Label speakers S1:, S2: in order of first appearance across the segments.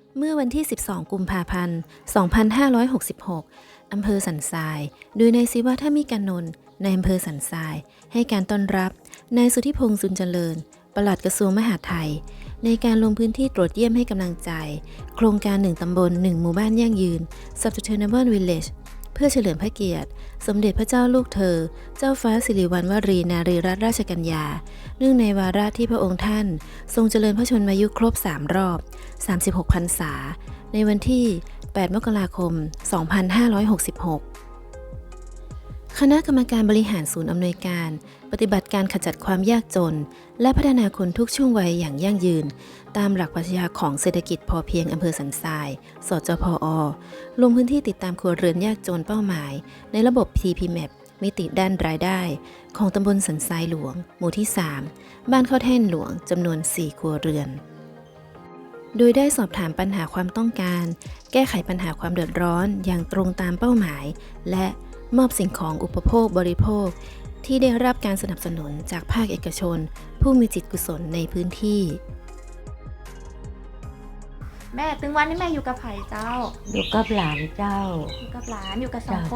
S1: เมื่อวันที่ 12 กุมภาพันธ์ 2566 อำเภอสันทราย โดยนายศิวะท่ามิกานนท์ในอำเภอสันทราย ให้การต้อนรับนายสุทธิพงษ์สุนเจริญ ปลัดกระทรวงมหาดไทย ในการลงพื้นที่ตรวจเยี่ยมให้กำลังใจ โครงการ 1 ตำบล 1 หมู่บ้านยั่งยืน Sustainable Village เพื่อเฉลิมพระเกียรติ สมเด็จพระเจ้าลูกเธอ เจ้าฟ้าสิริวัณวรีนารีรัตนราชกัญญา เนื่องในวาระที่พระองค์ท่านทรงเจริญพระชนมายุครบ 3 รอบ 36 พรรษา ในวันที่ 8 มกราคม 2566 คณะกรรมการบริหารศูนย์อำนวยการปฏิบัติการขจัดความยากจน และพัฒนาคนทุกช่วงวัยอย่างยั่งยืน ตามหลักปรัชญาของเศรษฐกิจพอเพียงอำเภอสันทราย สจพอ ลงพื้นที่ติดตามครัวเรือนยากจนเป้าหมาย ในระบบ TPMAP มิติด้านรายได้ ของตำบลสันทรายหลวง หมู่ที่ 3 บ้านข้าวแท่นหลวง จำนวน 4 ครัวเรือน โดยได้สอบถามปัญหาความต้องการ แก้ไขปัญหาความเดือดร้อนอย่างตรงตามเป้าหมาย และมอบสิ่งของอุปโภคบริโภค ที่ได้รับการสนับสนุนจากภาคเอกชน ผู้มีจิตกุศลในพื้นที่
S2: แม่ตึงวันนี้แม่อยู่กับไผ่เจ้า
S3: อยู่กับหลานเจ้า
S2: อยู่กับหลานอยู่กับ2 คน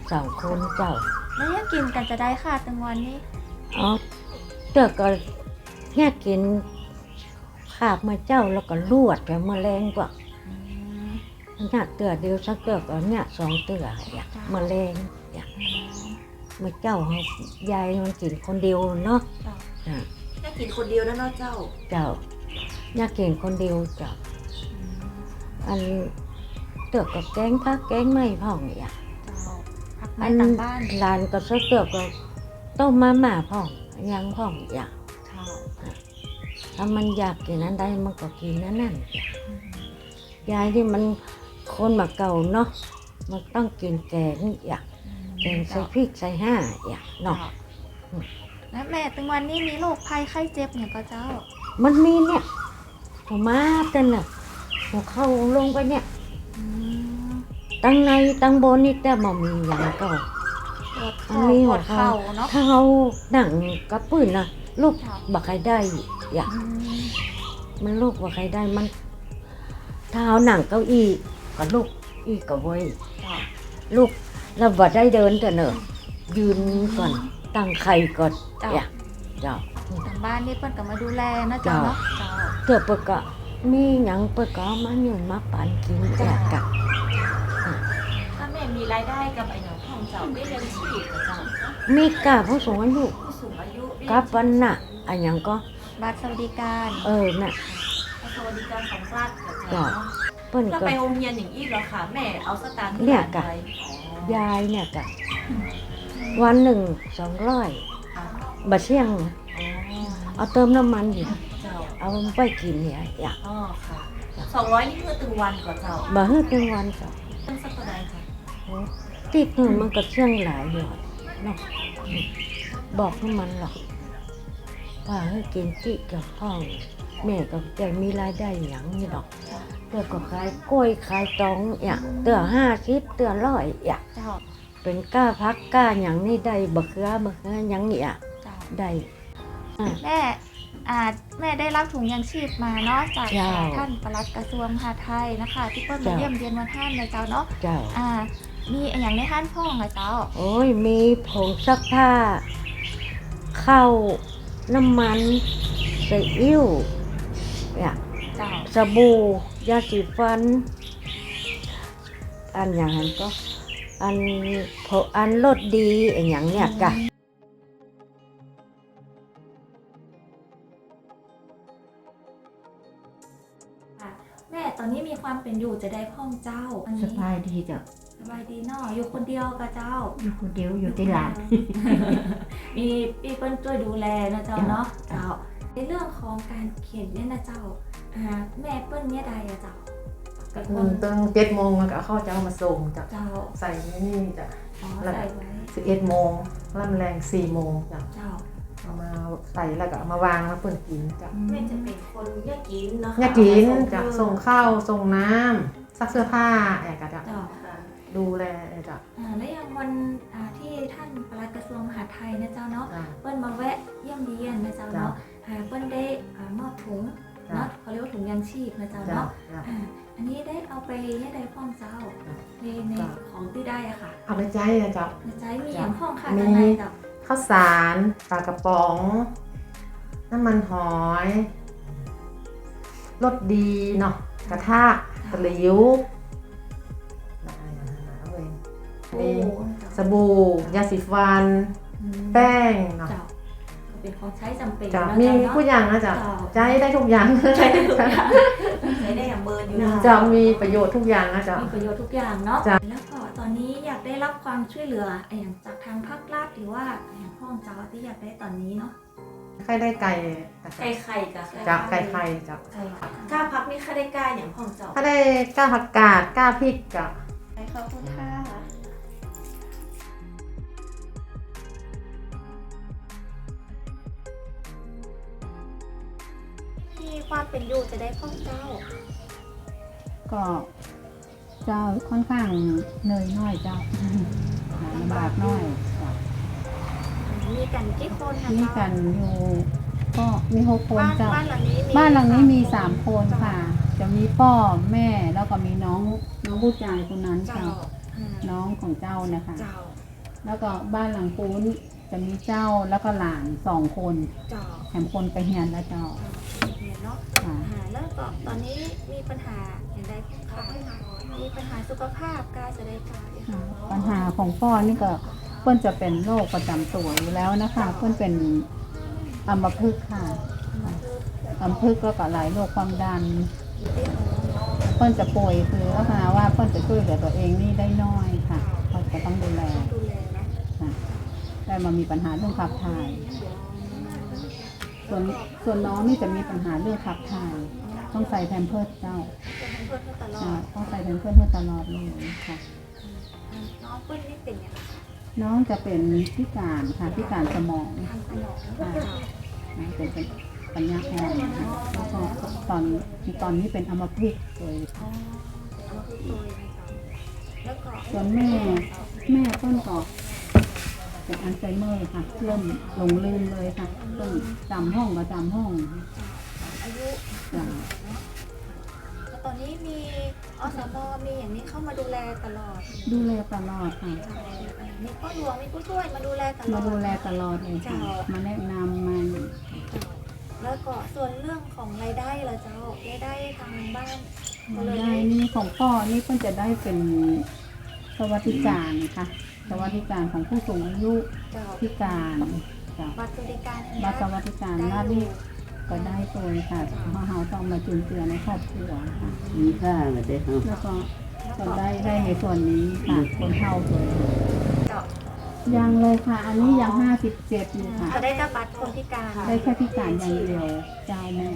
S3: 2 คนเจ้า
S2: แล้วยังกินกันจะได้ค่ะตึงวันนี้
S3: เอาเตือกก็เนี่ยกินขาบมาเจ้าแล้วก็ลวดไปเมื่อแรงกว่าเนี่ยเตือเดียวสักเตือกก็เนี่ย2 เตืออยากเมื่อแรงอยากเมื่อเจ้าเขายายมันกินคนเดียวเนาะ
S4: แค่กินคนเดียวแล้วเนาะเจ้า
S3: เจ้าเนี่ยกินคนเดียวเจ้าอันเตือกกับแกงพักแกงไม่พ่องอยาก
S2: พักไม้ต่างบ้าน
S3: หลานก็สักเตือกก็ต้มมาม่าพ่องยังพ่องอยาก ถ้ามันอยากกินนั้นได้มันก็กินนั่นยายที่มันคนมาเก่าเนาะมันต้องกินแกงอยากแกงใส่พริกใส่ห่าอยากเนาะ
S2: แล้วแม่ตึงวันนี้มีโรคภัยไข้เจ็บเนี่ยก็เจ้า
S3: มันมีเนี่ยหัวมาเป็นน่ะหัวเข้าลงไปเนี่ยตั้งในตั้งบนนี่แต่บ่มีอย่างก็
S2: ปวดคอปวดเข่าเนาะ
S3: ถ้าเขาหนังกระปื้นนะลูกบักใครได้อยากมันลูกบักใครได้มันถ้าเอาหนังเก้าอี้ก็ลูกอีกก็ไว้ลูกเราบ่ได้เดินแต่เนอะยืนก่อนตั้งไข่ก่อนอยากเจ้า
S2: ทางบ้านนี่เพิ่นก็มาดูแลนะเจ้าเนาะเจ้า
S3: เกือบเปิดก็มีหยังเปิดก็เอามาอยู่มาปั่นกินอยากกะ
S4: ถ้าแม่มีรายได้กับไอ้หนูของเจ้าได้เลี้ยงชีพกับเจ้า
S3: มีกะผู้สูงอายุ
S4: ผู้สูงอายุได้
S3: กับวันน่ะอันหยังก็
S2: บัตรสวัสดิการ
S3: น่ะ
S4: สวัสดิการของรัฐกับ
S3: เจ้า
S4: เจ้า
S3: เปิ้น
S4: ถ้า
S3: ก็
S4: ไปโรงเรียนอย่างอี้เหรอคะแม่เอาสตางค์ที่
S3: เนี่ย
S4: ไหน
S3: กะ
S4: ไป
S3: ยายเนี่ยกะวันหนึ่ง200
S4: ค่ะ
S3: บะเชี่ยง
S4: อ๋อ
S3: เอาเติมน้ำมันอยู่
S4: เจ้า
S3: เอาไปกินเนี่ยอยาก
S4: อ๋อค่ะ200นี่คือตึงวันก่อนเจ้า
S3: บะฮึดเป็นวันก็
S4: ตั้งสักเท่าไหร่ค่ะ
S3: ติดหนึ่งมันก็เชี่ยงหลายอยู่เนาะบอกให้มันหรอกว่าให้กินจิกับพ่อแม่ก็จะมีรายได้อย่างนี้หรอกเตือก็ขายกล้วยขายตองอย่างเตือ50เตือ100อย่าง
S2: เจ้า
S3: เป็นก้าพักก้าอย่างนี้ได้บะเขืออย่างนี้อ่ะ
S2: เจ้า
S3: ได้
S2: แม่แม่ได้รับถุงยางชีพมาเนาะจาก
S3: เจ้า
S2: ท่านปลัดกระทรวงมหาดไทยนะคะที่เปิ้ลมา
S3: เจ้า
S2: เยี่ยมเยียนวันท่านเลยเจ้าเนาะ
S3: เจ้า
S2: มีอย่างในท่านพ่องอะเจ้า
S3: โอ้ยมีผงซักผ้าข้าวน้ำมันซีอิ๊วเนี่ย
S2: เจ้า
S3: สบู่ยาสีฟัน อันอย่างนั้นก็อันรสดีอย่างเนี้ยกะ
S2: แม่ตอนนี้มีความเป็นอยู่จะได้พ่องเจ้าอัน
S5: ส
S2: นี้
S5: บายดีจ้ะ
S2: สบายดีเนาะอยู่คนเดียวกับเจ้า
S5: อยู่คนเดียวอยู่ที่หลาน
S2: มีพี่เปิ้ลช่วยดูแลนะเจ้าเนาะเจ้าในเรื่องของการเขียนเนี่ยนะเจ้าแม่เปิ้ลเนี่ยใดอะเจ้ากับคน
S6: ตั้ง7 โมงมันก็เอาเข้าเจ้ามาส่งจาก
S2: เจ้า
S6: ใส่นี่จาก
S2: อ๋อ
S6: แล้ว
S2: ใส่ไว้
S6: 11 โมงล่ำแรง4 โมงจาก
S2: เจ้า
S6: เอามาใส่แล้วก็เอามาวางแล้วเปิดกินจาก
S4: แม่จะเป็นคนยากกินเนาะ
S6: เนี่ยกินจากส่งข้าวส่งน้ำซักเสื้อผ้าแอกจาก
S2: เจ้า
S6: ดูแลจาก
S2: และอย่างวันที่ท่านปลัดกระทรวงมหาดไทยนะเจ้าเนาะ
S6: อ่า
S2: เปิ้ลมาแวะเยี่ยมเยียนนะเจ้าเนาะเปิ้ลได้มอบถุงเนาะเขาเรียกว่าถุงยางชีพนะเจ้า
S6: เจ้า
S2: เนาะ
S6: เจ้า
S2: อันนี้ได้เอาไปยังไงพ่องเจ้าในของที่ได้อะค่ะ
S6: เอาไปใจนะเจ้า
S2: ในใจมีอย่างพ่องค่ะ
S6: มี
S2: ด้านในเจ้า
S6: ข้าวสารปลากระป๋อง น้ำมันหอยรสดีเนาะกระทะตะหลิวเอาไว้มีสบู่ยาสีฟัน แป้งเนาะ
S2: เจ้าก็เป็นของใช้จำเป็น
S6: จะ
S2: เนาะ
S6: มี
S2: เจ้าเนาะ
S6: ผู้อย่างนะจ๊ะใจได้ทุกอย่าง
S2: ใช้ได้ทุกอย่างใช้ได้อย่างเบิร์นอยู่นะ
S6: จะมีประโยชน์ทุกอย่างนะจ๊ะ
S2: มีประโยชน์ทุกอย่างเนาะ
S6: จ้ะ
S2: แล้วก็ตอนนี้อยากได้รับความช่วยเหลืออย่างจากทางภาครัฐหรือว่าอย่างพ่องเจ้าที่อยากได้ตอนนี้เนาะ
S6: ใครได้ไก่
S4: ไก่ไข่จ้ะ
S6: จะไก่ไข่จะ
S2: ใช่ค่ะ
S4: กล้าพักนี่ค่าได้กล้าอย่างของเจ้า
S6: ถ้าได้ก้าผักกาดก้าพริกจะ
S4: ขอบคุณค่ะ
S2: ที่ความเป็นอยู่จะได้พ่องเจ้า
S5: ก็เจ้าค่อนข้างเหนื่อยน้อยเจ้าลำบากน้อยจ้ะ
S2: มีกันกี่คนนะ
S5: มี
S2: เจ้า
S5: กันอยู่ก็มี6 คน
S2: บ้าน
S5: เจ้า
S2: บ้านหลังนี้
S5: บ้านหลังนี้มี3 คนค่ะ จะมีพ่อแม่แล้วก็มีน้องผู้ชายคนนั้น
S2: เจ้า
S5: เจ้าน้องของเจ้านะคะ
S2: เจ้า
S5: แล้วก็บ้านหลังปูนจะมีเจ้าแล้วก็หลาน2 คน
S2: เจ้า
S5: แถมคนไปเฮียนแล้วเจ้า
S2: เห็นเนาะ
S5: ค่ะ
S2: แล้วก็ตอนนี้มีปัญหาอย่างใดค่ะมีปัญหาสุขภาพกายจะได้กาย
S5: ปัญหาของพ่อนี่ก็เพิ่นจะเป็นโรคประจำตัวอยู่แล้วนะคะเพิ่นเป็นอัมพฤกษ์ค่ะอัมพฤกษ์แล้วก็หลายโรคความดันเพิ่นจะป่วยคือลักษณะว่าเพิ่นจะช่วยเหลือตัวเองนี่ได้น้อยค่ะเพิ่นก็ต้องดูแล
S2: ดูแลเนาะ
S5: ค่ะได้มามีปัญหาเรื่องขับถ่ายส่วนน้องนี่จะมีปัญหาเรื่องขับถ่ายต้องใส่แพมเพิร์สเจ้า
S2: จะให้เพื่อนตลอ
S5: อ่า
S2: ด
S5: ต้องใส่แพมเพิร์สเพื่อตลอดเลยค่ะ
S2: น้องเพื่อนนี่เป็นอย่างไร
S5: น้องจะเป็นพิการค่ะพิการสมอง
S2: ทางสมอง
S5: เป็นปัญญาอ่อนนะคะแล้วก็ตอนนี้เป็นอัมพฤกษ์เลย
S2: อ๋อเอามาคือตัวอย่างไรแล้วก็
S5: ส่วนแม่ต้นก็เป็นอัลไซเมอร์ค่ะเริ่มหลงลืมเลยค่ะต้นจำห้องก็จำห้อง
S2: อายุ
S5: จ้ะ
S2: แล้วตอนนี้มีอสมมีอย่างนี้เข้ามาดูแลตลอด
S5: ดูแลตลอดค่ะ
S2: มีพ่อหลวงมีผู้ช่วยมาดูแลตลอด
S5: มาดูแลตลอดเลยค่ะมาแนะนำมา
S2: แล้วก็ส่วนเรื่องของรายได้ล่ะเจ้ารายได้ทางบ้านก็เลย
S5: ได้นี่ของพ่อนี่เพิ่นจะได้เป็นสวัสดิการค่ะสวัสดิการของผู้สูงอายุ
S2: เจ้า
S5: พิการจ้ะ
S2: บัตรสวัสดิการ
S5: บัตรสวัสดิการราชนี่ก็ได้ตัวค่ะเพราะเราต้องมาจุนเจือในครอบครัวค่ะ
S3: มีค่าเลยเด้อ
S5: แล้วก็ได้ในส่วนนี้ค่ะคนเฒ่าตัว
S2: เจ้า
S5: ยังเลยค่ะ อันนี้ยัง57อยู่ค่ะ
S2: จะได้แต่บัตรคนพิการ
S5: ได้แค่พิการอย่างเดียวเจ้าแม่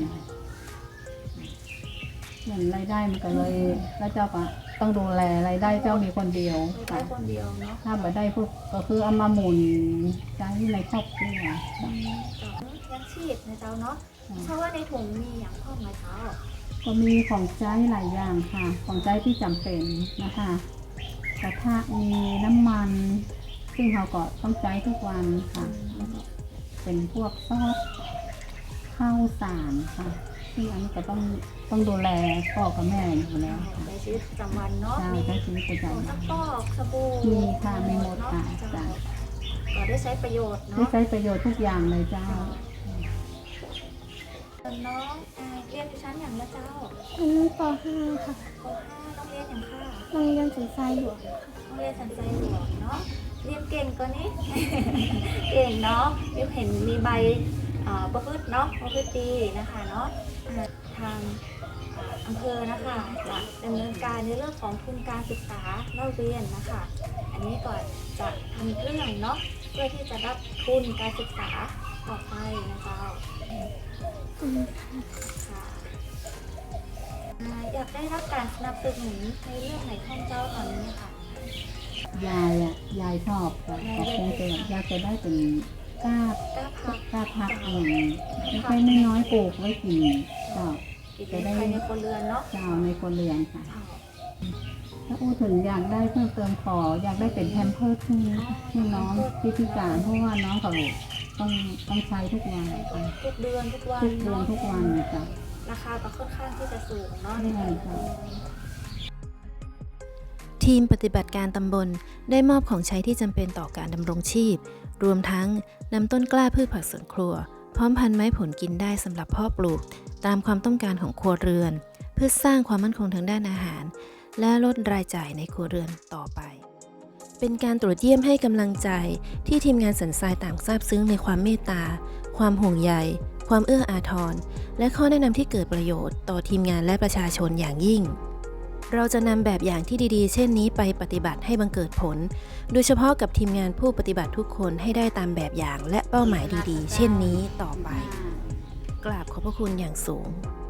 S5: เหมือนรายได้มันก็เลยแล้วเจ้าก็ต้องดูแลรายได้เจ้ามีคนเดียว
S2: ได้
S5: ค่ะ
S2: คนเดียวเนาะ
S5: ถ้าบ่ได้พวกก็คือเอามาหมุนใช้ในครอบครัว
S2: เจ้ายังชีพนะเจ้าเนาะเพราะว่าในถุงมีอย่างพ่อมาเจ้า
S5: ก็มีของใช้หลายอย่างค่ะ ของใช้ที่จำเป็นนะคะกระทะมีน้ำมัน ซึ่งเราก็ต้องใช้ทุกวันค่ะแล้วก็เป็นพวกซอสข้าวสารค่ะซึ่งอันนี้ก็ต้องดูแลพ่อกับแม่อยู่แล้วค่ะ
S2: ในชีวิตประจำวันเนาะ
S5: ใช่
S2: มี
S5: ใช้ชีวิตประ
S2: ผง
S5: จำ
S2: ซั
S5: วั
S2: ก
S5: น
S2: ฟอกสบู่
S5: มีค่ะมีหมดค่ะ
S2: เจ้า
S5: จ้ะ
S2: ก็ได้ใช้ประโยชน์
S5: ได้
S2: เนาะ
S5: ใช้ประโยชน์ทุกอย่างเลยเจ้า
S2: น้องเรียนอยู่ชั้นอย่างละเจ้า
S7: อันนี้ป .5 ค่ะ
S2: ป .5 ต้องเรียนอย่างค่ะ
S7: โรงเรียนสันทรายหลวง
S2: ต้องเรียนสันใจหลวงเนาะเรียนเก่งกว่านี้ เก่งเนาะมิวเห็นมีใบประพฤติเนาะประพฤติดีนะคะเนาะทางอำเภอนะคะจะดำเนินการในเรื่องของทุนการศึกษาเล่าเรียนนะคะ อันนี้ก่อนจะทำเรื่องเนาะเพื่อที่จะรับทุนการศึกษาต่อไปนะเจ้าค่ะอยากได้รับการสนับสนุนในเรื่องไหนของเจ้าตอนนี้ค่ะ
S5: ยายชอบค่ะก็คงจะอยากจะได้เป็นกล้าก
S2: ล้าพัก
S5: กล้าพักอย่างไม่ใช่ไม่น้อยๆปลูกไว้กินเจ้า
S2: กิจภายในครัวเรือนเนาะ
S5: เจ้าในคนเรือนค่ะ ถ้าอู้ถึงอยากได้เพิ่มเติมอยากได้เป็นแพมเพิร์สให้น้องที่พิการเพราะว่าน้องเขาต้องใช้ทุกวันค่ะ
S2: ทุกเดือนทุกวัน
S5: ทุกเดือนทุกวันจ้ะ
S2: ราคาก็ค่อนข้างที่จะสูงเนาะ
S5: ใช่ค่ะ
S1: ทีมปฏิบัติการตำบลได้มอบของใช้ที่จำเป็นต่อการดำรงชีพ รวมทั้งนำต้นกล้าพืชผักสวนครัว พร้อมพันธุ์ไม้ผลกินได้สำหรับเพาะปลูก ตามความต้องการของครัวเรือน เพื่อสร้างความมั่นคงทางด้านอาหาร และลดรายจ่ายในครัวเรือนต่อไป เป็นการตรวจเยี่ยมให้กำลังใจที่ทีมงานสันทรายต่างซาบซึ้งในความเมตตา ความห่วงใย ความเอื้ออาทร และข้อแนะนำที่เกิดประโยชน์ต่อทีมงานและประชาชนอย่างยิ่ง เราจะนำแบบอย่างที่ดีๆ เช่นนี้ไปปฏิบัติให้บังเกิดผล โดยเฉพาะกับทีมงานผู้ปฏิบัติทุกคนให้ได้ตามแบบอย่างและเป้าหมายดีๆ เช่นนี้ต่อไป กราบขอบพระคุณอย่างสูง